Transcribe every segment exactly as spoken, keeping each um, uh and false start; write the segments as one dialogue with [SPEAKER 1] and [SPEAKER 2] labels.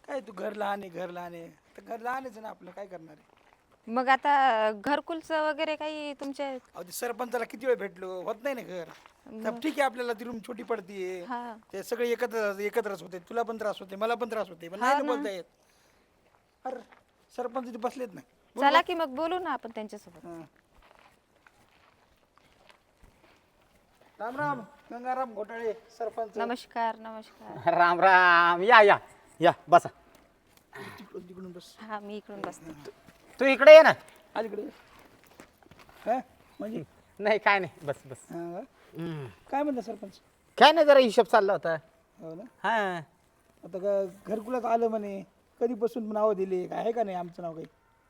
[SPEAKER 1] काय तू घर लहान आहे घर लहान आहे तर घर लहानच आहे ना आपलं काय करणार आहे.
[SPEAKER 2] मग आता घरकुलचं वगैरे काही तुमच्या
[SPEAKER 1] अहो ते सरपंचाला किती वेळ भेटलो होत नाही ना घर. तर ठीक आहे आपल्याला ती रूम छोटी पडतीये
[SPEAKER 2] हा
[SPEAKER 1] ते सगळे एकत्र एकत्रच होते तुला पण त्रास होते मला पण त्रास होते पण नाही ना बोलता येत. अरे सरपंच इथे बसलेत ना.
[SPEAKER 2] चला की मग बोलू ना आपण त्यांच्यासोबत.
[SPEAKER 1] हा. राम राम गंगाराम घोटाळे सरपंच.
[SPEAKER 2] नमस्कार नमस्कार.
[SPEAKER 3] राम राम या या या बसा.
[SPEAKER 1] तिकडून तिकडून बस
[SPEAKER 2] हा मी इकडून बसते.
[SPEAKER 3] तू इकडे ये ना.
[SPEAKER 1] अलीकडे हा म्हणजे
[SPEAKER 3] नाही काय नाही बस बस.
[SPEAKER 1] हा.
[SPEAKER 3] हम्म.
[SPEAKER 1] काय म्हणता सरपंच.
[SPEAKER 3] काय नाही जरा हिशोब चालला होता.
[SPEAKER 1] हो ना
[SPEAKER 3] हा
[SPEAKER 1] आता ग- घरकुलात आलं म्हणे कधीपासून नावं दिले काय आहे का नाही आमचं नाव काही.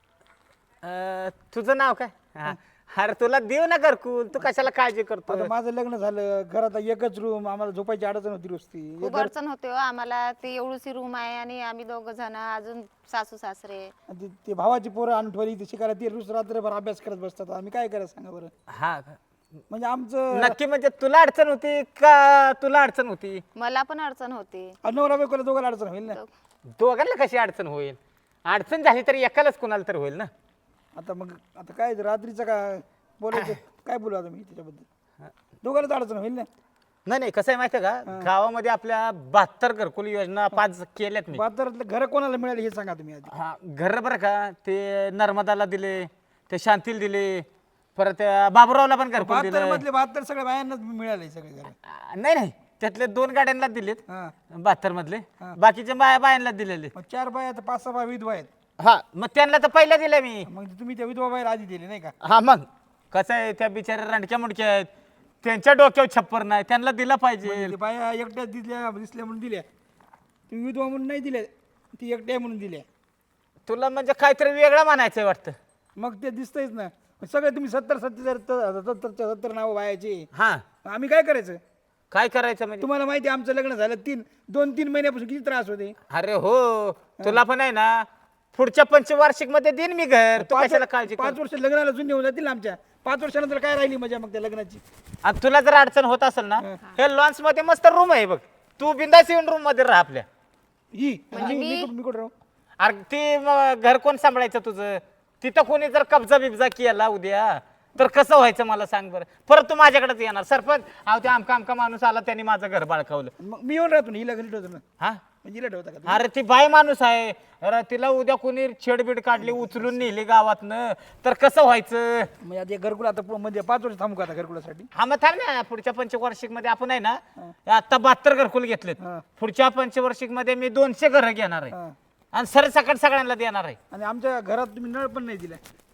[SPEAKER 3] अं, तुझं नाव काय हा. अरे तुला देऊ ना घरकुल तू कशाला काळजी करतो.
[SPEAKER 1] आता माझं लग्न झालं घरात एकच रूम आम्हाला झोपायची अडचण होती रोजती.
[SPEAKER 2] खूप अडचण होते हो आम्हाला. ते एवढीशी रूम आहे आणि आम्ही दोघं जण अजून सासू सासरे.
[SPEAKER 1] आणि ते- ते भावाची पोरं आणून ठेवली ते शिकायला ते रोज रात्रभर अभ्यास करत बसतात आम्ही काय करायचं सांगा बरं.
[SPEAKER 3] हा
[SPEAKER 1] म्हणजे आमचं
[SPEAKER 3] नक्की म्हणजे तुला अडचण होती का तुला अडचण होती.
[SPEAKER 2] मला पण अडचण होती.
[SPEAKER 1] नवरा बायकोला दोघांना अडचण होईल ना.
[SPEAKER 3] दोघांना कशी अडचण होईल. अडचण झाली तरी एकालाच कोणाला तरी होईल ना.
[SPEAKER 1] आता मग आता काय रात्रीचं का बोलायचं काय बोलू आता मी त्याच्याबद्दल दोघांनाच अडचण होईल ना.
[SPEAKER 3] नाही नाही कसं आहे माहिती आहे का गावामध्ये आपल्या बहात्तर घरकुल योजना पाच केल्यात मी.
[SPEAKER 1] बाजारातलं घर कोणाला मिळाले हे सांगा तुम्ही आधी.
[SPEAKER 3] हा घर बरं का ते नर्मदाला दिले ते शांतील दिले परत त्या बाबुरावला पण घरकुल
[SPEAKER 1] बहात्तर
[SPEAKER 3] दिलं.
[SPEAKER 1] मधले बहात्तर सगळ्या बायांनाच मिळाले सगळे घर.
[SPEAKER 3] आ, नाही नाही त्यातले दोन गाड्यांना दिलेत
[SPEAKER 1] हा
[SPEAKER 3] बहात्तर मधले बाकीच्या बाया बायांना दिलेले.
[SPEAKER 1] मग चार बाया तर पाच सहा बाया विधवा आहेत.
[SPEAKER 3] हा मग त्यांना तर पहिल्या दिल्या मी.
[SPEAKER 1] मग तुम्ही त्या विधवा बाहेर आधी दिले नाही का.
[SPEAKER 3] हा मग कसं आहे त्या बिचाऱ्या रंडक्या मुंडक्या आहेत त्यांच्या डोक्यावर छप्पर नाही त्यांना दिलं पाहिजे.
[SPEAKER 1] ते बाया एकट्या दिसल्या दिसल्या म्हणून दिल्या तुम्ही विधवा म्हणून नाही दिल्या ती एकट्या म्हणून दिल्या.
[SPEAKER 3] तुला म्हणजे काहीतरी वेगळं म्हणायचं वाटतं.
[SPEAKER 1] मग ते दिसतंयच ना सगळे तुम्ही सत्तर सत्तर सत्तर सत्तर नावं बायाची.
[SPEAKER 3] हा
[SPEAKER 1] आम्ही काय करायचं.
[SPEAKER 3] काय करायचं म्हणजे.
[SPEAKER 1] तुम्हाला माहिती आहे आमचं लग्न झालं तीन दोन तीन महिन्यापासून किती त्रास होते.
[SPEAKER 3] अरे हो तुला पण आहे ना पुढच्या पंचवार्षिक मध्ये देईन मी घर तू कशाला काळजी कर.
[SPEAKER 1] पाच वर्ष लग्नाला जुने होऊन जातील ना आमच्या. पाच वर्षानंतर काय राहिली मजा मग त्या लग्नाची.
[SPEAKER 3] आणि तुला जर अडचण होत असेल ना हे लॉन्स मध्ये मस्त रूम आहे बघ तू बिंदास येऊन रूम मध्ये राहा आपल्या.
[SPEAKER 1] ही मी- मी कुठं- मी कुठं राहू.
[SPEAKER 3] अरे ती मग घर कोण सांभाळायचं तुझं. तिथं कोणी जर कब्जा बिब्जा केला उद्या तर कसं व्हायचं मला सांग बरं. परत तू माझ्याकडेच येणार सरपंच अहो ते आमका आमका माणूस आला त्यांनी माझं घर बाळकावलं.
[SPEAKER 1] मग मी येऊन राहतो ना हिला घरी ठेवतो ना.
[SPEAKER 3] हा
[SPEAKER 1] म्हणजे हिला ठेवता का.
[SPEAKER 3] अरे ती बाई माणूस आहे. अरे तिला उद्या कोणी छेडबीड काढली उचलून नेली गावातनं तर कसं व्हायचं.
[SPEAKER 1] म्हणजे आता घरकुल आता पु- म्हणजे पाच वर्ष थांबू का आता घरकुलासाठी.
[SPEAKER 3] हा मग थांब ना पुढच्या पंचवार्षिक मध्ये आपण आहे ना आता बहात्तर घरकुल घेतलेत.
[SPEAKER 1] हा.
[SPEAKER 3] पुढच्या पंचवार्षिक मध्ये मी दोनशे घर घेणार आहे
[SPEAKER 1] हा.
[SPEAKER 3] आणि सरसकट सगळ्यांना देणार आहे.
[SPEAKER 1] आणि आमच्या घरात तुम्ही नळ पण नाही दिला.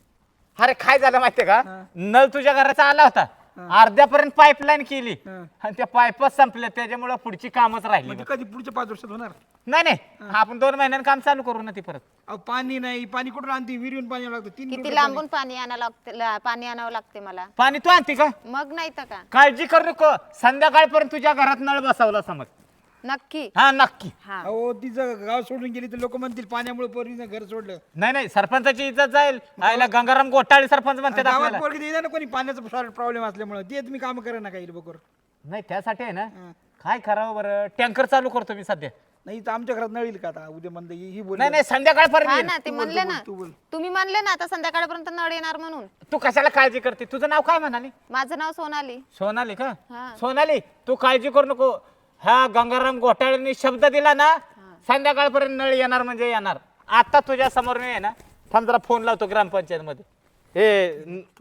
[SPEAKER 3] अरे काय झालं माहितीये का
[SPEAKER 1] हा.
[SPEAKER 3] नळ तुझ्या घराचा आला होता अर्ध्यापर्यंत पाईपलाईन केली
[SPEAKER 1] हा.
[SPEAKER 3] आणि त्या पाईपच संपल्या त्याच्यामुळे पुढची कामच राहिली
[SPEAKER 1] म्हणजे कधी पुढच्या पाच वर्षात होणार.
[SPEAKER 3] नाही नाही आपण दोन महिन्यांनी काम चालू करू ना ती परत.
[SPEAKER 1] अहो पाणी नाही पाणी कुठून आणते विहिरीहून पाणी आणावं लागतं तीन
[SPEAKER 2] किती
[SPEAKER 1] किलोमीटर
[SPEAKER 2] लांबून पाणी आणावं लागते ला- पाणी आणावं लागते मला.
[SPEAKER 3] पाणी तू आणते का
[SPEAKER 2] मग नाही तर का.
[SPEAKER 3] काळजी करू नको संध्याकाळपर्यंत तुझ्या घरात नळ बसवला समज.
[SPEAKER 2] नक्की.
[SPEAKER 3] हा नक्की.
[SPEAKER 2] हा
[SPEAKER 1] अहो तिचं गाव सोडून गेली तर लोक म्हणतील पाण्यामुळे पोरीनं घर सोडलं.
[SPEAKER 3] नाही नाही सरपंचाची इज्जत जाईल आईला गंगाराम घोटाळे सरपंच म्हणतात
[SPEAKER 1] गावात
[SPEAKER 3] आपल्याला.
[SPEAKER 1] पोरगी देणार ना कोणी पाण्याचा प्रॉब्लेम असल्यामुळे ते तुम्ही काम करा ना काही बरोबर.
[SPEAKER 3] नाही त्यासाठी आहे ना
[SPEAKER 1] हा.
[SPEAKER 3] काय करावं बरं टँकर चालू करतो मी सध्या.
[SPEAKER 1] नाही तर आमच्या घरात नळ येईल का आता उद्या म्हणते ही बोल.
[SPEAKER 3] नाही नाही संध्याकाळपर्यंत
[SPEAKER 2] हा
[SPEAKER 3] येईल.
[SPEAKER 2] ना ते म्हणले ना
[SPEAKER 1] तू बोल.
[SPEAKER 2] तुम्ही म्हणले ना आता संध्याकाळपर्यंत नळ येणार म्हणून.
[SPEAKER 3] तू कशाला काळजी करते तुझं नाव काय म्हणाली.
[SPEAKER 2] माझं नाव सोनाली.
[SPEAKER 3] सोनाली का
[SPEAKER 2] हा.
[SPEAKER 3] सोनाली तू काळजी करू नको. ह्या गंगाराम घोटाळ्यांनी शब्द दिला ना संध्याकाळपर्यंत नळ येणार म्हणजे येणार. आता तुझ्या समोर मी आहे ना थांब जरा फोन लावतो ग्रामपंचायत मध्ये. हे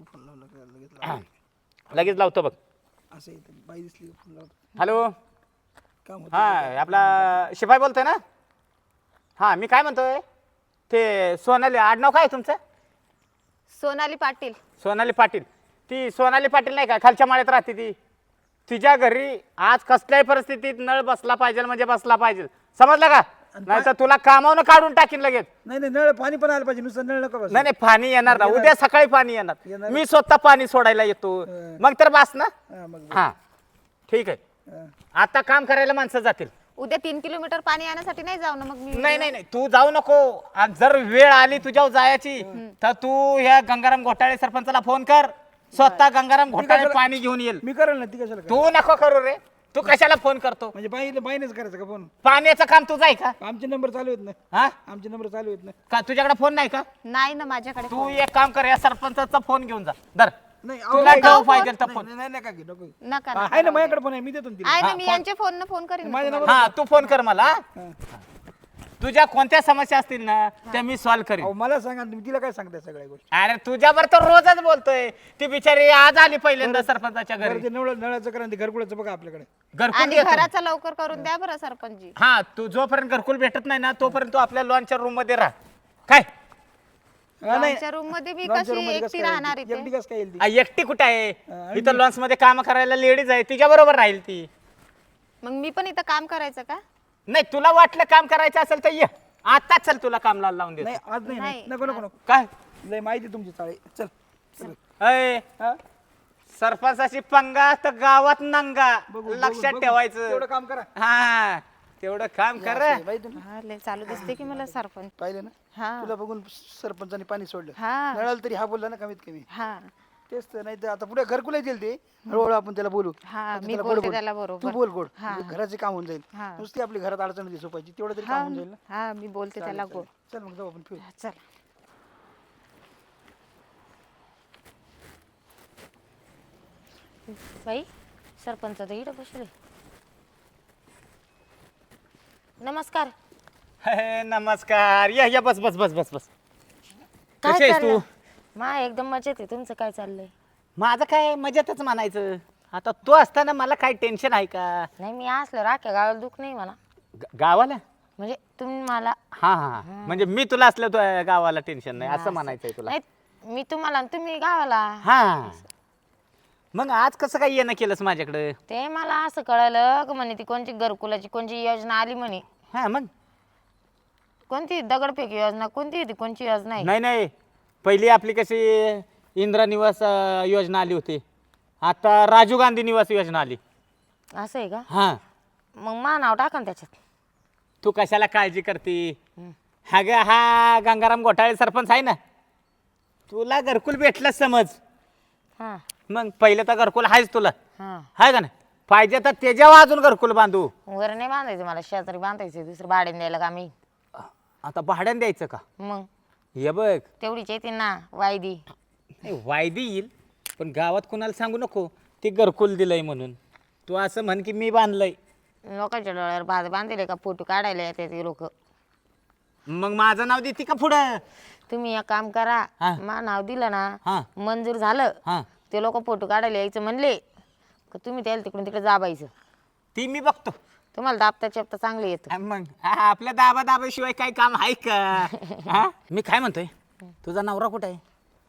[SPEAKER 3] न- लगेच लावतो बघ.
[SPEAKER 1] असं येतं बाई दिसली का फोन लावतो.
[SPEAKER 3] हॅलो
[SPEAKER 1] काम होतं.
[SPEAKER 3] हा आपला शिपाई बोलतोय ना. हा मी काय म्हणतोय ते सोनाली आडनाव काय आहे तुमचं.
[SPEAKER 2] सोनाली पाटील.
[SPEAKER 3] सोनाली पाटील ती सोनाली पाटील नाही का खालच्या माळ्यात राहते ती. तिच्या घरी आज कसल्याही परिस्थितीत नळ बसला पाहिजे म्हणजे बसला पाहिजे समजलं का. नाही तर तुला कामावून काढून टाकीन लगेच.
[SPEAKER 1] नाही नाही नळ पाणी पण आलं पाहिजे नुसतं नळ नका बस.
[SPEAKER 3] नाही नाही पाणी येणार ना उद्या सकाळी पाणी येणार.
[SPEAKER 1] येणार.
[SPEAKER 3] मी स्वतः पाणी सोडायला येतो
[SPEAKER 1] हं.
[SPEAKER 3] मग तर बस ना.
[SPEAKER 1] हा, मग
[SPEAKER 3] हा ठीक आहे
[SPEAKER 1] हा.
[SPEAKER 3] आता काम करायला माणसं जातील.
[SPEAKER 2] उद्या तीन किलोमीटर पाणी आणण्यासाठी नाही जाऊ ना मग मी.
[SPEAKER 3] नाही नाही नाही तू जाऊ नको. आणि जर वेळ आली तुझ्यावर जायची तर तू ह्या गंगाराम घोटाळे सरपंचाला फोन कर स्वतः गंगाराम घोटाळे
[SPEAKER 1] कशाला-
[SPEAKER 3] पाणी घेऊन येईल.
[SPEAKER 1] मी करेल ना ती कशाला करेल?
[SPEAKER 3] तू नको करू रे तू कशाला फोन करतो?
[SPEAKER 1] म्हणजे बाईने बाईनेच करायचं का फोन?
[SPEAKER 3] पाण्याचं काम तुझं आहे का?
[SPEAKER 1] आमचे नंबर चालू आहेत ना,
[SPEAKER 3] हा
[SPEAKER 1] आमचे नंबर चालू आहेत ना.
[SPEAKER 3] का तुझ्याकडे फोन नाही का?
[SPEAKER 2] नाही ना माझ्याकडे
[SPEAKER 3] तू
[SPEAKER 2] phone.
[SPEAKER 3] एक काम कर, या सरपंचाचा फोन घेऊन जा. धर,
[SPEAKER 1] नाही
[SPEAKER 3] तुला
[SPEAKER 1] अहो,
[SPEAKER 3] गाव पाहिजे तर
[SPEAKER 1] नाही,
[SPEAKER 3] फोन.
[SPEAKER 1] नाही, नाही, नका घेऊ, नको घेऊ.
[SPEAKER 2] नका
[SPEAKER 1] हा,
[SPEAKER 2] नका
[SPEAKER 1] आहे ना माझ्याकडे फोन आहे, मी देतो ना तिला.
[SPEAKER 2] आहे ना
[SPEAKER 3] हा,
[SPEAKER 2] मी
[SPEAKER 3] फोन-
[SPEAKER 2] यांच्या फोन फोन करीन ना
[SPEAKER 1] माझ्या
[SPEAKER 2] तुम्हाला.
[SPEAKER 1] नंबर-
[SPEAKER 3] हा तू फोन कर मला.
[SPEAKER 1] हा.
[SPEAKER 3] तुझ्या कोणत्या समस्या असतील ना त्या मी सॉल्व्ह करीन.
[SPEAKER 1] अहो मला सांगा तुम्ही तिला काय सांगताय सगळ्या गोष्टी?
[SPEAKER 3] अरे तुझ्यावर तर रोजच बोलतोय. ती बिचारी आज आली पहिल्यांदा सरपंचाच्या
[SPEAKER 1] बरं
[SPEAKER 3] घरी.
[SPEAKER 1] ते नळ नळाचं करा ते घरकुलाचं बघा आपल्याकडे.
[SPEAKER 3] घरकुल
[SPEAKER 2] आणि
[SPEAKER 3] देतो.
[SPEAKER 2] घराचा लवकर करून द्या बरं सरपंचजी.
[SPEAKER 3] हा तू जोपर्यंत घरकुल भेटत नाही ना तोपर्यंत तू आपल्या लॉनच्या रूम मध्ये राह. काय
[SPEAKER 1] हा, नाही.
[SPEAKER 2] लॉनच्या रूम मध्ये मी
[SPEAKER 1] लॉनच्या
[SPEAKER 2] कशी
[SPEAKER 1] रूममध्ये कसं
[SPEAKER 2] एकटी
[SPEAKER 1] काय
[SPEAKER 2] राहणार
[SPEAKER 1] येईल ती? एकटी
[SPEAKER 2] इथे?
[SPEAKER 1] कसं काय येईल ती?
[SPEAKER 3] आ, एकटी कुठे आहे?
[SPEAKER 1] हा, आणि
[SPEAKER 3] इथं
[SPEAKER 1] मी-
[SPEAKER 3] लॉन्स मध्ये काम करायला लेडीज आहे, तिच्या बरोबर राहील ती.
[SPEAKER 2] मग मी पण इथं काम करायचं का?
[SPEAKER 3] नाही तुला वाटलं काम करायचं असेल तर ये आताच चल, तुला काम लावून
[SPEAKER 1] नाही
[SPEAKER 3] देतो.
[SPEAKER 1] आज नाही, नाही
[SPEAKER 2] नाही.
[SPEAKER 1] नको नको नको.
[SPEAKER 3] काय
[SPEAKER 1] लय माहिती तुमची चाळे. चल चल.
[SPEAKER 3] अय
[SPEAKER 1] हा?
[SPEAKER 3] सरपंचाची पंगा तर गावात नंगा,
[SPEAKER 1] बघू, बघू,
[SPEAKER 3] लक्षात
[SPEAKER 1] बघू.
[SPEAKER 3] ठेवायचं.
[SPEAKER 1] तेवढं काम करा.
[SPEAKER 3] हा तेवढं काम कर.
[SPEAKER 1] असं आहे, बाई तुम्ही
[SPEAKER 2] हा लय चालू दिसते की मला सरपंच.
[SPEAKER 1] पाहिलं ना,
[SPEAKER 2] हा
[SPEAKER 1] तुला बघून सरपंचाने पाणी सोडलं.
[SPEAKER 2] हा
[SPEAKER 1] नळाला तरी हा बोलला ना कमीत कमी.
[SPEAKER 2] हा
[SPEAKER 1] तेच तर, नाही तर आता पुढे घरकुला येईल ते हळूहळू आपण त्याला बोलू.
[SPEAKER 2] हा,
[SPEAKER 1] आता
[SPEAKER 2] मी
[SPEAKER 1] त्याला
[SPEAKER 2] बोलते
[SPEAKER 1] गोड बोल.
[SPEAKER 2] त्याला
[SPEAKER 1] तू
[SPEAKER 2] बरोबर.
[SPEAKER 1] बोल गोड,
[SPEAKER 2] हा.
[SPEAKER 1] म्हणजे घराचे काम होऊन जाईल.
[SPEAKER 2] हा.
[SPEAKER 1] नुसती आपली घरात अडचण दिसू पाहिजे, तेवढं तरी काम
[SPEAKER 2] हा
[SPEAKER 1] होऊन जाईल ना.
[SPEAKER 2] हा मी बोलते त्याला
[SPEAKER 1] चालेल,
[SPEAKER 2] गोड.
[SPEAKER 1] चालेल. चल मग जाऊ आपण फिरू.
[SPEAKER 2] चला बाई, सरपंच तर इकडे बसले. नमस्कार.
[SPEAKER 3] हे, नमस्कार. या या बस बस बस बस बस.
[SPEAKER 2] काय
[SPEAKER 3] कशी आहेस
[SPEAKER 2] चाललंय?
[SPEAKER 3] तू?
[SPEAKER 2] मा एकदम मजेत आहे. तुमचं काय चाललंय?
[SPEAKER 3] माझं काय मजेतच म्हणायचं. आता तू असताना मला काय टेन्शन आहे का?
[SPEAKER 2] नाही मी असलं राख्या गावाला दुःख नाही मला.
[SPEAKER 3] ग- गावाला
[SPEAKER 2] म्हणजे तुम्ही मला
[SPEAKER 3] हा हा हा. म्हणजे मी तुला असलं तू गावाला टेन्शन नाही असं म्हणायचंय तुला.
[SPEAKER 2] नाही मी तुम्हाला आणि तुम्ही गावाला.
[SPEAKER 3] हा मग आज कसं काय येणं केलंस माझ्याकडे?
[SPEAKER 2] ते मला असं कळलं की म्हणे ती कोणती घरकुलाची कोणची योजना आली म्हणे.
[SPEAKER 3] हा मग
[SPEAKER 2] कोणती दगडफेक योजना कोणती होती कोणची योजना आहे?
[SPEAKER 3] नाही नाही पहिली आपली कशी इंदिरा निवास अं, योजना आली होती. आता राजीव गांधी निवास योजना आली.
[SPEAKER 2] असं आहे का?
[SPEAKER 3] हा
[SPEAKER 2] मग मा नाव टाका ना त्याच्यात.
[SPEAKER 3] तू कशाला काळजी करते? हा ग हा गंगाराम घोटाळे सरपंच आहे ना, तुला घरकुल भेटलं समज.
[SPEAKER 2] हा
[SPEAKER 3] मग पहिलं तर घरकुल आहेच तुला,
[SPEAKER 2] हा
[SPEAKER 3] आहे का नाही? पाहिजे तर त्याच्यावर अजून घरकुल बांधू.
[SPEAKER 2] वर नाही बांधायचं मला, शेजारी बांधायचं दुसरं भाड्याने द्यायला का मी.
[SPEAKER 3] आता भाड्याने द्यायचं का?
[SPEAKER 2] मग
[SPEAKER 3] हे बघ
[SPEAKER 2] तेवढीच येते ना वायदी.
[SPEAKER 3] नाही, वायदी येईल पण गावात कोणाला सांगू नको ते घरकुल दिलंय म्हणून. तू असं म्हण की मी बांधलंय.
[SPEAKER 2] लोकांच्या डोळ्यावर बांध बांधले का फोटो काढायला येते ते लोक.
[SPEAKER 3] मग माझं नाव देते का पुढं?
[SPEAKER 2] तुम्ही एक काम करा,
[SPEAKER 3] हा.
[SPEAKER 2] मा नाव दिलं ना
[SPEAKER 3] हा
[SPEAKER 2] मंजूर झालं
[SPEAKER 3] हा
[SPEAKER 2] ते लोक फोटो काढायला यायचं म्हणले का तुम्ही त्याला तिकडून तिकडे जाबायचं.
[SPEAKER 3] ती मी बघतो.
[SPEAKER 2] तुम्हाला दाबता चेपता चांगलं येतं.
[SPEAKER 3] हा, मग हा, आपल्या दाबा दाबाशिवाय काही काम आहे का? हा? मी काय म्हणतोय, तुझा नवरा कुठे आहे?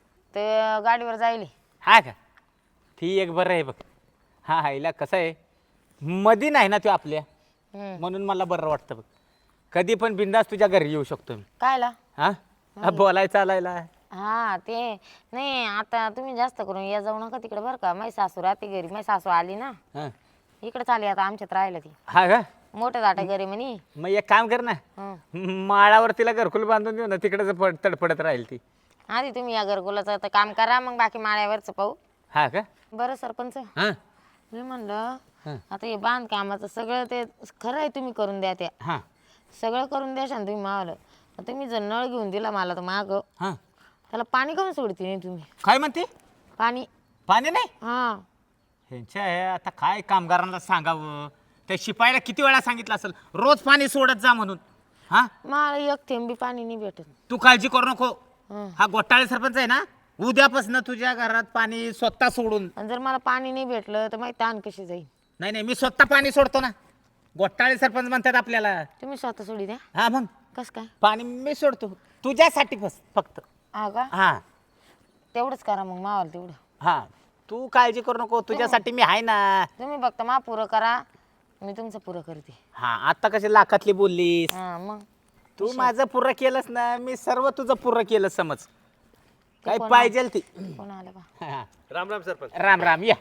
[SPEAKER 2] ते गाडीवर जायले.
[SPEAKER 3] हा का? ती एक बरं आहे बघ. हा हा हिला कसं आहे मधी नाही ना तू आपल्या,
[SPEAKER 2] हम्म.
[SPEAKER 3] म्हणून मला बरं वाटतं बघ. कधी पण बिंदास तुझ्या घरी येऊ शकतो मी.
[SPEAKER 2] कायला?
[SPEAKER 3] हा हा, बोलाय चालायला.
[SPEAKER 2] हा ते नाही आता तुम्ही जास्त करून या जाऊ नका तिकडे बरं का. माझी सासू राहते घरी. माझी सासू आली ना
[SPEAKER 3] हा
[SPEAKER 2] इकडे चालली आता आमच्यात राहिलं ती.
[SPEAKER 3] हा का?
[SPEAKER 2] मोठं दाटा घरी म्हणे.
[SPEAKER 3] मग एक काम कर ना,
[SPEAKER 2] हं.
[SPEAKER 3] माळावर तिला घरकुल बांधून देऊ ना, तिकडे पड तडपडत राहील ती.
[SPEAKER 2] आधी तुम्ही या घरकुलाचं आता काम करा, मग बाकी माळ्यावरचं पाहू.
[SPEAKER 3] हा का?
[SPEAKER 2] बरं सरपंच,
[SPEAKER 3] हा
[SPEAKER 2] मी म्हणलं
[SPEAKER 3] हं.
[SPEAKER 2] आता हे बांधकामाचं सगळं ते खरं आहे, तुम्ही करून द्या त्या
[SPEAKER 3] हा
[SPEAKER 2] सगळं करून द्या तुम्ही मावलं. तुम्ही जर नळ घेऊन दिला मला तर माग
[SPEAKER 3] हा
[SPEAKER 2] त्याला पाणी कमी सोडते नाही तुम्ही?
[SPEAKER 3] काय म्हणते?
[SPEAKER 2] पाणी.
[SPEAKER 3] पाणी नाही?
[SPEAKER 2] हा
[SPEAKER 3] ह्यांच्या हे आता काय कामगारांना सांगावं? त्या शिपायाला किती वेळा सांगितलं असेल रोज पाणी सोडत जा म्हणून. हा
[SPEAKER 2] मला एक थेंबी पाणी नाही भेटत.
[SPEAKER 3] तू काळजी करू नको.
[SPEAKER 2] हं.
[SPEAKER 3] हा घोटाळे सरपंच आहे ना, उद्यापासून तुझ्या घरात पाणी स्वतः सोडून.
[SPEAKER 2] आणि जर मला पाणी नाही भेटलं तर माहिती ताण कशी जाईल.
[SPEAKER 3] नाही नाही मी स्वतः पाणी सोडतो ना. घोटाळे सरपंच म्हणतात आपल्याला.
[SPEAKER 2] तुम्ही स्वतः सोडी द्या.
[SPEAKER 3] हा मग
[SPEAKER 2] कस काय?
[SPEAKER 3] पाणी मी सोडतो तुझ्यासाठी बस फक्त.
[SPEAKER 2] हा का?
[SPEAKER 3] हा
[SPEAKER 2] तेवढंच करा मग मावाला तेवढं.
[SPEAKER 3] हा तू काळजी करू नको, तुझ्यासाठी मी आहे ना.
[SPEAKER 2] तुम्ही फक्त मा पुरं करा, मी तुमचं पुरं करते.
[SPEAKER 3] हा आता कशी लाखातली बोललीस.
[SPEAKER 2] हा मग
[SPEAKER 3] तू माझं पुरं केलंस ना, मी सर्व तुझं पुरं केलं समज. काय
[SPEAKER 2] कोण
[SPEAKER 3] पाहिजे ती.
[SPEAKER 2] कोण आलं का?
[SPEAKER 3] हा.
[SPEAKER 4] राम राम सरपंच.
[SPEAKER 3] राम राम या.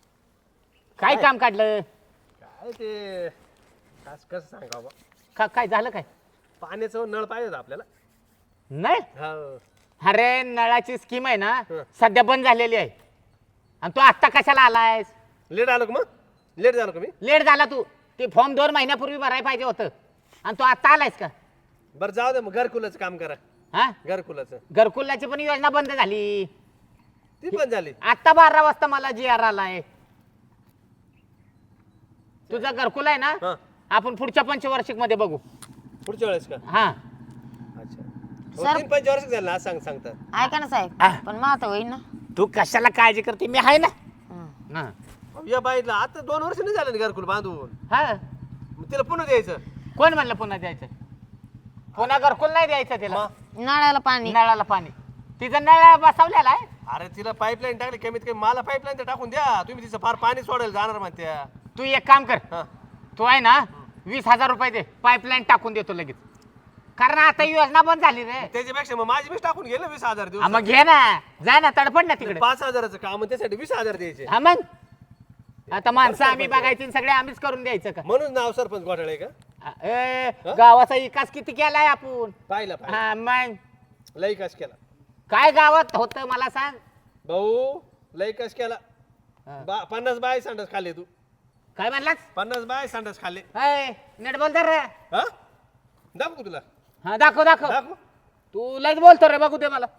[SPEAKER 3] काय काम काढलं?
[SPEAKER 4] काय ते कास कसं सांगा बा,
[SPEAKER 3] का काय झालं काय?
[SPEAKER 4] पाण्याचं नळ पाहिजे होतं आपल्याला.
[SPEAKER 3] नाही
[SPEAKER 4] हो.
[SPEAKER 3] अरे नळाची स्कीम आहे ना
[SPEAKER 4] हं.
[SPEAKER 3] सध्या बंद झालेली आहे. आणि तू आत्ता कशाला आलायस?
[SPEAKER 4] लेट आलो का मग? लेट झालो का मी
[SPEAKER 3] लेट झाला तू ते फॉर्म दोन महिन्यापूर्वी भरायला पाहिजे होतं आणि तू आता आलायस का
[SPEAKER 4] बरं जाऊ दे मग घरकुलाचं काम करा
[SPEAKER 3] हा
[SPEAKER 4] घरकुलाचं
[SPEAKER 3] घरकुलाची पण योजना बंद झाली
[SPEAKER 4] ती पण झाली
[SPEAKER 3] आता बारा वाजता मला जी आर आलाय तुझा घरकुल आहे ना
[SPEAKER 4] हा
[SPEAKER 3] आपण पुढच्या पंचवार्षिक मध्ये बघू
[SPEAKER 4] पुढच्या वेळेस का
[SPEAKER 3] हा
[SPEAKER 4] अच्छा
[SPEAKER 2] सर-
[SPEAKER 4] हो, तीन पंचवर्ष झालं ना आज सांग सांगता
[SPEAKER 2] ऐका ना साहेब
[SPEAKER 3] आ.
[SPEAKER 2] पण मग आता होईल ना
[SPEAKER 3] तू कशाला काळजी करते मी आहे ना
[SPEAKER 2] हं.
[SPEAKER 3] हा.
[SPEAKER 4] अहो, या बाईला आता दोन वर्ष नाही झालं ना घरकुल बांधून
[SPEAKER 3] हा
[SPEAKER 4] मग तिला पुन्हा द्यायचं
[SPEAKER 3] कोण म्हणलं पुन्हा द्यायचं पुन्हा घरकुल नाही द्यायचं तिला
[SPEAKER 4] मग?
[SPEAKER 2] नळाला पाणी
[SPEAKER 3] नळाला पाणी तिचा नळ बसवलेला आहे
[SPEAKER 4] अरे तिला पाईपलाईन टाकली कमीत कमी मला पाईपलाईन तर टाकून द्या तुम्ही तिचं फार पाणी सोडायला जाणार म्हणत्या
[SPEAKER 3] तू एक काम कर
[SPEAKER 4] हा
[SPEAKER 3] तू आहे ना वीस हजार रुपये दे पाईपलाईन टाकून देतो लगेच कारण आता योजना बंद झाली रे
[SPEAKER 4] त्याच्यापेक्षा मग माझी बीस टाकून गेलं वीस हजार
[SPEAKER 3] हा,
[SPEAKER 4] दिवस
[SPEAKER 3] मग घे ना जा ना तडपड ना तिकडे
[SPEAKER 4] पाच हजाराचं काम आणि त्यासाठी वीस हजार द्यायचे
[SPEAKER 3] हा मग आता माणसं आम्ही बघायची आणि सगळे आम्हीच करून द्यायचं का
[SPEAKER 4] म्हणून नाव सरपंच घोटाळे का
[SPEAKER 3] ए, गावाचा विकास किती केलाय आपण
[SPEAKER 4] पाहिला पाहिला
[SPEAKER 3] हा मग
[SPEAKER 4] लई कश केला
[SPEAKER 3] काय गावात होत मला सांग
[SPEAKER 4] भाऊ लई कश केला
[SPEAKER 3] हा.
[SPEAKER 4] बा- पन्नास बाय संडास खाल्ले तू
[SPEAKER 3] काय म्हणलास
[SPEAKER 4] पन्नास बाय संडास खाल्ले
[SPEAKER 3] ए, नीट बोल तर रे
[SPEAKER 4] हा दाखवू तुला
[SPEAKER 3] हा दाखव दाखव
[SPEAKER 4] दाखवू
[SPEAKER 3] तू लयच बोलतो रे बघू दे मला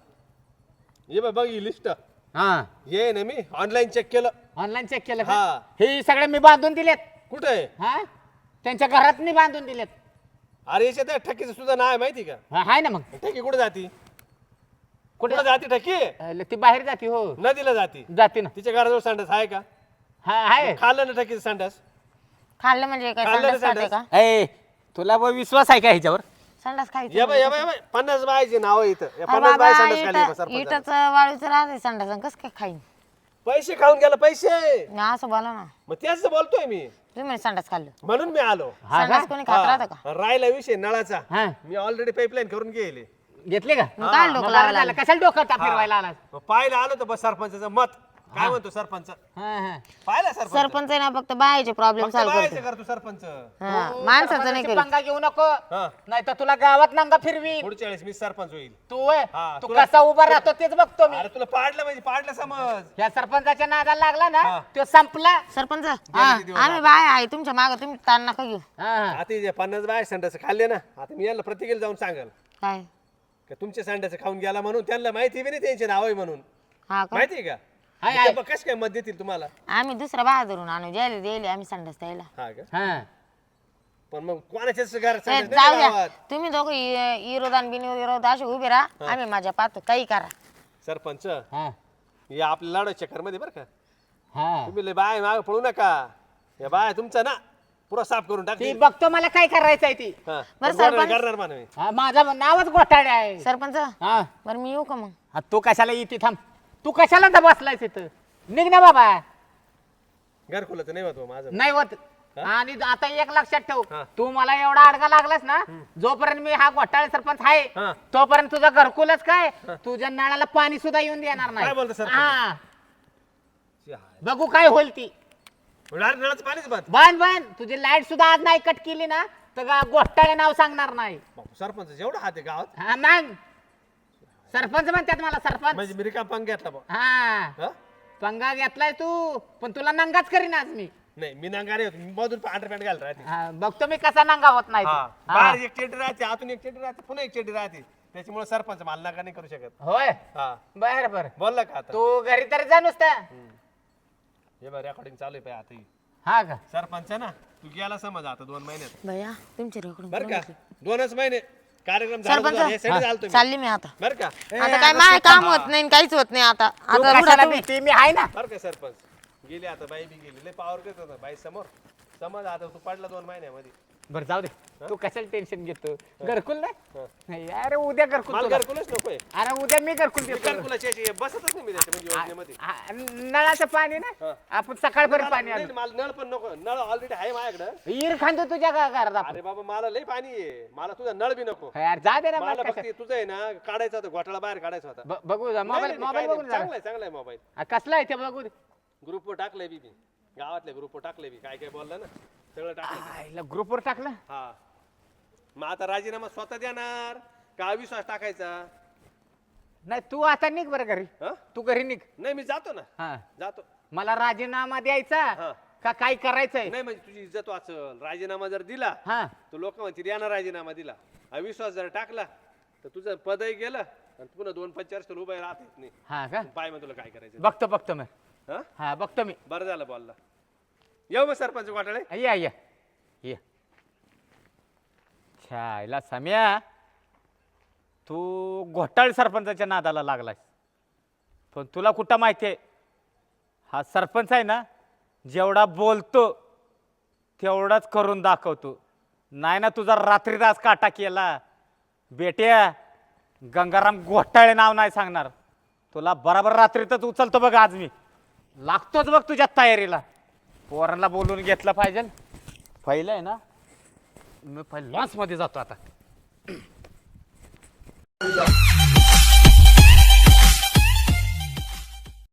[SPEAKER 4] ये बघ बघ ही लिस्ट
[SPEAKER 3] हा
[SPEAKER 4] ये ना मी ऑनलाईन चेक केलं
[SPEAKER 3] ऑनलाईन चेक केलं
[SPEAKER 4] हा.
[SPEAKER 3] का हे सगळे मी बांधून दिलेत
[SPEAKER 4] कुठे आहे
[SPEAKER 3] हा त्यांच्या घरात मी बांधून दिलेत
[SPEAKER 4] अरे याच्यात ठकीचं सुद्धा नाव आहे माहिती का
[SPEAKER 3] हा, हाय ना मग
[SPEAKER 4] ठकी कुठे जाती
[SPEAKER 3] कुठे
[SPEAKER 4] कुठे जाती ठकी
[SPEAKER 3] अ, ती बाहेर जाते हो
[SPEAKER 4] नदीला जाती
[SPEAKER 3] जाते ना
[SPEAKER 4] तिच्या घराजवळ संडास आहे का
[SPEAKER 3] हा आहे
[SPEAKER 4] खाल्लं ना ठकीचं संडास
[SPEAKER 2] खाल्लं म्हणजे काय
[SPEAKER 4] खाल्लं
[SPEAKER 2] संडास
[SPEAKER 4] ना
[SPEAKER 2] खाते का
[SPEAKER 3] ए तुला ब विश्वास आहे का ह्याच्यावर
[SPEAKER 2] संडास खायचं
[SPEAKER 4] या बाय या बाय या बाय पन्नास बायचे नाव आहे इथं या
[SPEAKER 2] अरे
[SPEAKER 4] पन्नास बाय
[SPEAKER 2] बाबा
[SPEAKER 4] संडास खाली
[SPEAKER 2] इटा-
[SPEAKER 4] सरपंचाला.
[SPEAKER 2] इटाचं वाळूचं राहते संडास कस काय खाईन
[SPEAKER 4] पैसे खाऊन गेला पैसे
[SPEAKER 2] नाही असं बोला ना
[SPEAKER 4] मग त्याच बोलतोय मी
[SPEAKER 2] तुम्ही म्हणे संडास खाल्लं
[SPEAKER 4] म्हणून मी आलो
[SPEAKER 3] हा का?
[SPEAKER 2] संडास कोणी खात राहतं का
[SPEAKER 4] हा, राहिला विषय नळाचा
[SPEAKER 3] हा
[SPEAKER 4] मी ऑलरेडी पाईपलाईन करून गेले
[SPEAKER 3] घेतले का
[SPEAKER 2] मग काय
[SPEAKER 3] मग
[SPEAKER 2] डोकं
[SPEAKER 3] बरं
[SPEAKER 2] लावायला
[SPEAKER 3] झालं. कशाला डोकं ता फिरवायला आला
[SPEAKER 4] मग पाहिलं आलो तर बस सरपंचाचं मत काय म्हणतो सरपंच
[SPEAKER 3] हा हा
[SPEAKER 4] पाहिलं सरपंच
[SPEAKER 2] सरपंच आहे ना फक्त बायाचे प्रॉब्लेम
[SPEAKER 4] फक्त
[SPEAKER 2] सॉल्व्ह
[SPEAKER 4] बायाचं
[SPEAKER 2] करतो
[SPEAKER 4] कर तू सरपंच
[SPEAKER 2] हा माणसाचं नाही
[SPEAKER 3] सरपंचाची
[SPEAKER 2] करीत
[SPEAKER 3] पंगा घेऊ नको
[SPEAKER 4] हा
[SPEAKER 3] नाही तर तुला गावात नांगा फिरवी
[SPEAKER 4] पुढच्या वेळेस मी सरपंच होईल
[SPEAKER 3] तू होय?
[SPEAKER 4] हा,
[SPEAKER 3] तू
[SPEAKER 4] तुला-
[SPEAKER 3] कसा उभा राहतो तेच बघतो मी
[SPEAKER 4] अरे तुला पाडलं म्हणजे पाडलं समज
[SPEAKER 3] या सरपंचाच्या नादाला लागला ना
[SPEAKER 4] हा.
[SPEAKER 3] तो संपला
[SPEAKER 2] सरपंच
[SPEAKER 4] किती दिवस
[SPEAKER 2] आम्ही बाय आहे तुमच्या मागे तुम्ही ताण नका घेऊ
[SPEAKER 3] हा, हा.
[SPEAKER 4] आता हे जे पन्नास बाय संडास खाल्ले ना आता मी यांना प्रतिकेला जाऊन सांगाल
[SPEAKER 2] काय
[SPEAKER 4] का तुमचे संडास खाऊन गेला म्हणून त्यांना माहिती बी नाही त्यांचे नाव आहे म्हणून
[SPEAKER 2] हा का
[SPEAKER 4] माहिती आहे का
[SPEAKER 3] हाय, हाय.
[SPEAKER 4] कस काय मत देतील तुम्हाला
[SPEAKER 2] आम्ही दुसरा बाया धरून आणू द्यायला द्यायला आम्ही संडास द्यायला
[SPEAKER 4] हा का
[SPEAKER 3] हा.
[SPEAKER 4] पण मग कोणाच्याच घरात
[SPEAKER 2] ए,
[SPEAKER 4] संडास
[SPEAKER 2] जाऊ
[SPEAKER 4] नाही
[SPEAKER 2] द्या
[SPEAKER 4] गावात.
[SPEAKER 2] तुम्ही दोघं इ- विरोध आणि बिनविरोध असे उभे राहा आम्ही माझ्या पाहतो काही करा
[SPEAKER 4] सरपंच
[SPEAKER 3] हा.
[SPEAKER 4] हे आपल्या लाडो चक्कर मध्ये बरं का
[SPEAKER 3] हा.
[SPEAKER 4] तुम्ही लय बाय माग पळू नका या बाय तुमचा ना पुरा साफ करून
[SPEAKER 3] ती
[SPEAKER 4] टाकतील
[SPEAKER 3] बघतो मला काय करायचंय ती
[SPEAKER 4] हा.
[SPEAKER 2] बरं,
[SPEAKER 4] पण बोलायला
[SPEAKER 2] सरपंच.
[SPEAKER 4] करणार मानवी
[SPEAKER 3] हा, माझं नावच घोटाळे आहे
[SPEAKER 2] सरपंच
[SPEAKER 3] हा
[SPEAKER 2] बरं मी येऊ का मग
[SPEAKER 3] हा, तू कशाला येते थांब तू कशाला तर बसलायस इथं निघ ना बाबा
[SPEAKER 4] घरकुलाचं नाही होत माझं
[SPEAKER 3] नाही होत आणि आता एक लक्षात ठेव
[SPEAKER 4] हा.
[SPEAKER 3] तू मला एवढा अडगा लागलास ना जोपर्यंत मी हा घोटाळे सरपंच आहे
[SPEAKER 4] हा.
[SPEAKER 3] तोपर्यंत तुझं घरकुलच काय तुझ्या नळाला पाणी सुद्धा येऊन देणार
[SPEAKER 4] काय बोलतो
[SPEAKER 3] नाही
[SPEAKER 4] सरपंच?
[SPEAKER 3] हा. बघू काय होईल ती
[SPEAKER 4] डायरेक्ट नळाचं पाणीच बंद
[SPEAKER 3] बांध बांध तुझी लाईट सुद्धा आज नाही कट केली ना तर गा- घोटाळे नाव सांगणार नाही
[SPEAKER 4] बापू, सरपंच जेवढा हात आहे गावात
[SPEAKER 3] हा मग सरपंच म्हणतात मला सरपंच
[SPEAKER 4] म्हणजे मी रिकाम पंग घेतला बा
[SPEAKER 3] हा
[SPEAKER 4] हा?
[SPEAKER 3] पंगा घेतलाय तू पण तुला नंगाच करीन आज मी
[SPEAKER 4] नाही मी नंगारे होतो मी मधून पांढरे पॅन्ट घालत राहते
[SPEAKER 3] हा, बघतो मी कसा नंगा होत नाही ते.
[SPEAKER 4] हा.
[SPEAKER 3] हा.
[SPEAKER 4] बाहेर एक चेटी राहते आतून एक चेटी राहते पुन्हा एक चेटी राहते त्याच्यामुळे सरपंच मला नका नाही करू शकत
[SPEAKER 3] होय
[SPEAKER 4] हा
[SPEAKER 3] बर बर
[SPEAKER 4] बोलला का आता
[SPEAKER 3] तू घरी तरी जा नुसता
[SPEAKER 4] हे बघ रेकॉर्डिंग चालू आहे पाय आता ही.
[SPEAKER 3] हा का
[SPEAKER 4] सरपंच ना तू गेला समज आता दोन महिन्यात
[SPEAKER 2] भैया तुमचे रेकडून
[SPEAKER 4] बर का दोनच महिने कार्यक्रम झाला तुझा. हे साठी झालं तुम्ही
[SPEAKER 2] चालली मी आता
[SPEAKER 4] बर का
[SPEAKER 2] आता काय माय काम होत नाही आणि काहीच होत नाही आता
[SPEAKER 3] तू
[SPEAKER 2] आता उठा
[SPEAKER 3] कशाला
[SPEAKER 2] तुम्ही.
[SPEAKER 3] भीती? मी आहे ना
[SPEAKER 4] बर का सरपंच गेली आता बाई बी गेली लय पावर करत होता बाई समोर समज आता तू पडला दोन महिन्यामध्ये
[SPEAKER 3] बर जाऊ दे तू कशाला टेन्शन घेतो घरकुल नाही? नाही अरे उद्या घरकुल
[SPEAKER 4] मला
[SPEAKER 3] तुला.
[SPEAKER 4] घरकुलच नकोय
[SPEAKER 3] अरे उद्या मी घरकुल देतो
[SPEAKER 4] घरकुलाची याची बसतच नाही मी त्याच्या म्हणजे योजनेमध्ये
[SPEAKER 3] हा, नळाचं पाणी ना
[SPEAKER 4] हा.
[SPEAKER 3] आपण सकाळपर्यंत पाणी
[SPEAKER 4] नाही,
[SPEAKER 3] आलं
[SPEAKER 4] मला नळ पण नको नळ ऑलरेडी आहे माझ्याकडं
[SPEAKER 3] इर खांदो तुझ्या घ- घरात आपण
[SPEAKER 4] अरे बाबा मला लय पाणी आहे मला तुझा नळ बी नको
[SPEAKER 3] यार जा दे ना
[SPEAKER 4] मला
[SPEAKER 3] मला
[SPEAKER 4] फक्त तुझं आहे ना काढायचा होता घोटाळा बाहेर काढायचा होता
[SPEAKER 3] ब- बघू जा
[SPEAKER 4] नाही,
[SPEAKER 3] मोबाईल
[SPEAKER 4] नाही,
[SPEAKER 3] मोबाईल
[SPEAKER 4] काय
[SPEAKER 3] बघून
[SPEAKER 4] नाही,
[SPEAKER 3] जा
[SPEAKER 4] चांगला आहे चांगला आहे मोबाईल
[SPEAKER 3] हा, कसला आहे ते बघू दे
[SPEAKER 4] ग्रुपवर टाकलंय बी मी गावातल्या ग्रुपवर टाकलंय बी काय काय बोललं ना सगळं टाकलं
[SPEAKER 3] ग्रुपवर टाकलं
[SPEAKER 4] हा मग आता राजीनामा स्वतः देणार का विश्वास टाकायचा
[SPEAKER 3] नाही तू आता निघ बरं घरी
[SPEAKER 4] हा
[SPEAKER 3] तू घरी निघ
[SPEAKER 4] नाही मी जातो ना
[SPEAKER 3] हा
[SPEAKER 4] जातो
[SPEAKER 3] मला राजीनामा द्यायचा
[SPEAKER 4] हा
[SPEAKER 3] का काय करायचंय?
[SPEAKER 4] नाही म्हणजे तुझी इज्जत वाचल. राजीनामा जर दिला
[SPEAKER 3] हा
[SPEAKER 4] तर लोक म्हणतील यानं राजीनामा दिला. हा विश्वास जर टाकला तर तुझं पदही गेलं आणि पुन्हा दोन पंचाळीस उभं राहत येत नाही.
[SPEAKER 3] हा का?
[SPEAKER 4] पाय मग तुला काय करायचं.
[SPEAKER 3] बघतो बघतो मी.
[SPEAKER 4] हा
[SPEAKER 3] हा बघतो मी.
[SPEAKER 4] बरं झालं बोलला. येऊ मग सरपंच घोटाळे.
[SPEAKER 3] या या ये. छायला सम्या, तू घोटाळे सरपंचाच्या नादाला लागलास. पण तुला कुठं माहितीये हा सरपंच आहे ना, जेवढा बोलतो तेवढाच करून दाखवतो. नाही ना तुझा रात्रीदास काटा केला. बेट्या गंगाराम घोटाळे नाव नाही सांगणार तुला. बराबर रात्रीतच उचलतो बघ आज मी. लागतोच बघ तुझ्या तयारीला. पोरांना बोलून घेतलं पाहिजे. पहिलं आहे ना, मी पहिले लॉन्समध्ये जातो आता.